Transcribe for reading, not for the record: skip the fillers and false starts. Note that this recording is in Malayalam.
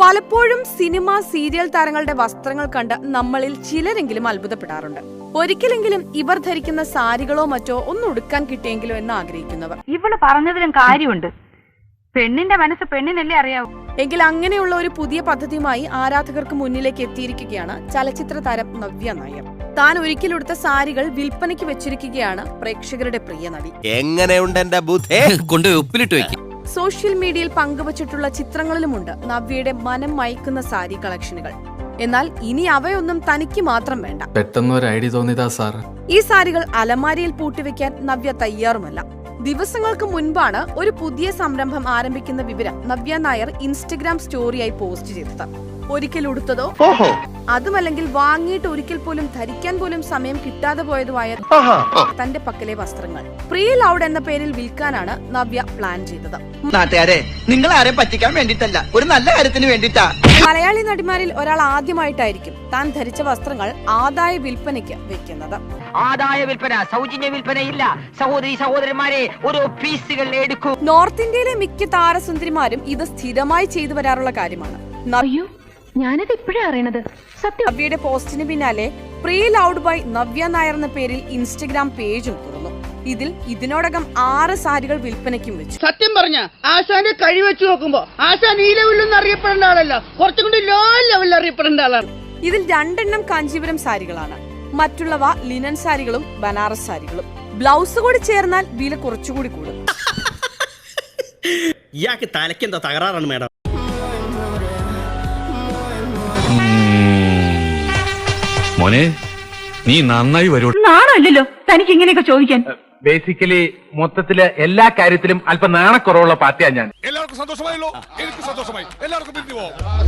പലപ്പോഴും സിനിമ സീരിയൽ താരങ്ങളുടെ വസ്ത്രങ്ങൾ കണ്ട് നമ്മളിൽ ചിലരെങ്കിലും അത്ഭുതപ്പെടാറുണ്ട്. ഒരിക്കലെങ്കിലും ഇവർ ധരിക്കുന്ന സാരികളോ മറ്റോ ഒന്ന് ഉടുക്കാൻ കിട്ടിയെങ്കിലോ എന്ന് ആഗ്രഹിക്കുന്നവർ. ഇവള് പറഞ്ഞതിലും കാര്യമുണ്ട്. പെണ്ണിന്റെ മനസ്സ് പെണ്ണിനല്ലേ അറിയാവൂ. എങ്കിൽ അങ്ങനെയുള്ള ഒരു പുതിയ പദ്ധതിയുമായി ആരാധകർക്ക് മുന്നിലേക്ക് എത്തിയിരിക്കുകയാണ് ചലച്ചിത്ര താരം നവ്യ നായർ. താൻ ഒരിക്കലെടുത്ത സാരികൾ വിൽപ്പനയ്ക്ക് വെച്ചിരിക്കുകയാണ് പ്രേക്ഷകരുടെ പ്രിയ നടി. എങ്ങനെയുണ്ട് എന്റെ ബുദ്ധി? കൊണ്ട് ഉപ്പിലിട്ട് വെക്കും. സോഷ്യൽ മീഡിയയിൽ പങ്കുവച്ചിട്ടുള്ള ചിത്രങ്ങളിലുമുണ്ട് നവ്യയുടെ മനം മയക്കുന്ന സാരി കളക്ഷനുകൾ. എന്നാൽ ഇനി അവയൊന്നും തനിക്ക് മാത്രം വേണ്ട. പെട്ടെന്ന് ഒരു ഐഡിയ തോന്നിയതാ സാർ. ഈ സാരികൾ അലമാരിയിൽ പൂട്ടിവെക്കാൻ നവ്യ തയ്യാറുമല്ല. ദിവസങ്ങൾക്ക് മുൻപാണ് ഒരു പുതിയ സംരംഭം ആരംഭിക്കുന്ന വിവരം നവ്യ നായർ ഇൻസ്റ്റഗ്രാം സ്റ്റോറിയായി പോസ്റ്റ് ചെയ്തത്. ഒരിക്കൽ ഉടുത്തതോ അതുമല്ലെങ്കിൽ വാങ്ങിയിട്ട് ഒരിക്കൽ പോലും ധരിക്കാൻ പോലും സമയം കിട്ടാതെ പോയതുമായ തന്റെ പക്കലെ വസ്ത്രങ്ങൾ പ്രീ ലൗഡ് എന്ന പേരിൽ വിൽക്കാനാണ് നവ്യ പ്ലാൻ ചെയ്തത്. നാട്ടുകാരെ, നിങ്ങൾ ആരെ പറ്റിക്കാൻ വേണ്ടിട്ടല്ല, ഒരു നല്ല കാര്യത്തിന് വേണ്ടിട്ടാ. മലയാളി നടിമാരിൽ ഒരാൾ ആദ്യമായിട്ടായിരിക്കും താൻ ധരിച്ച വസ്ത്രങ്ങൾ ആദായ വിൽപ്പനയ്ക്ക് വെക്കുന്നത്. ആദായ വിൽപ്പന, സൗജന്യ വിൽപ്പനയില്ല. സഹോദരന്മാരെ, ഓരോ പീസുകൾ എടുക്കൂ. നോർത്ത് ഇന്ത്യയിലെ മിക്ക താരസുന്ദരിമാരും ഇത് സ്ഥിരമായി ചെയ്തു വരാറുള്ള കാര്യമാണ്. ഞാനത് ഇപ്പോഴാ അറിയണത്. സത്യം. നവ്യയുടെ പോസ്റ്റിന് പിന്നാലെ pre loved by Navya Nair എന്ന പേരിൽ ഇൻസ്റ്റഗ്രാം പേജും തുറന്നു. ഇതിൽ ഇതിനോടകം 6 സാരികൾ വിൽപ്പനയ്ക്കും വെച്ചു. സത്യം പറഞ്ഞ ആശാന്റെ കഴി വെച്ച് നോക്കുമ്പോ ആശാൻ ഈ ലെവലിലൊന്നും അറിയപ്പെടേണ്ട ആളല്ല, കുറച്ചും കൂടി ലോ ലെവലിൽ അറിയപ്പെടേണ്ട ആളാണ്. ഇതിൽ 2 എണ്ണം കാഞ്ചീപുരം സാരികളാണ്. മറ്റുള്ളവ ലിനൻ സാരികളും ബനാറസ് സാരികളും. ബ്ലൗസ് കൂടി ചേർന്നാൽ വില കുറച്ചുകൂടി കൂടും. ഇയാൾക്ക് തലക്കെന്താ തകരാറാണ് മേഡം? മോനെ, നീ നന്നായി വരൂ. നാണല്ലോ തനിക്ക് ഇങ്ങനെയൊക്കെ ചോദിക്കാൻ. ബേസിക്കലി മൊത്തത്തില് എല്ലാ കാര്യത്തിലും അല്പം നാണക്കുറവുള്ള പാർട്ടിയാണ് ഞാൻ. എല്ലാവർക്കും സന്തോഷമായല്ലോ? എനിക്ക് സന്തോഷമായി. എല്ലാവർക്കും പിരിഞ്ഞു പോവാം.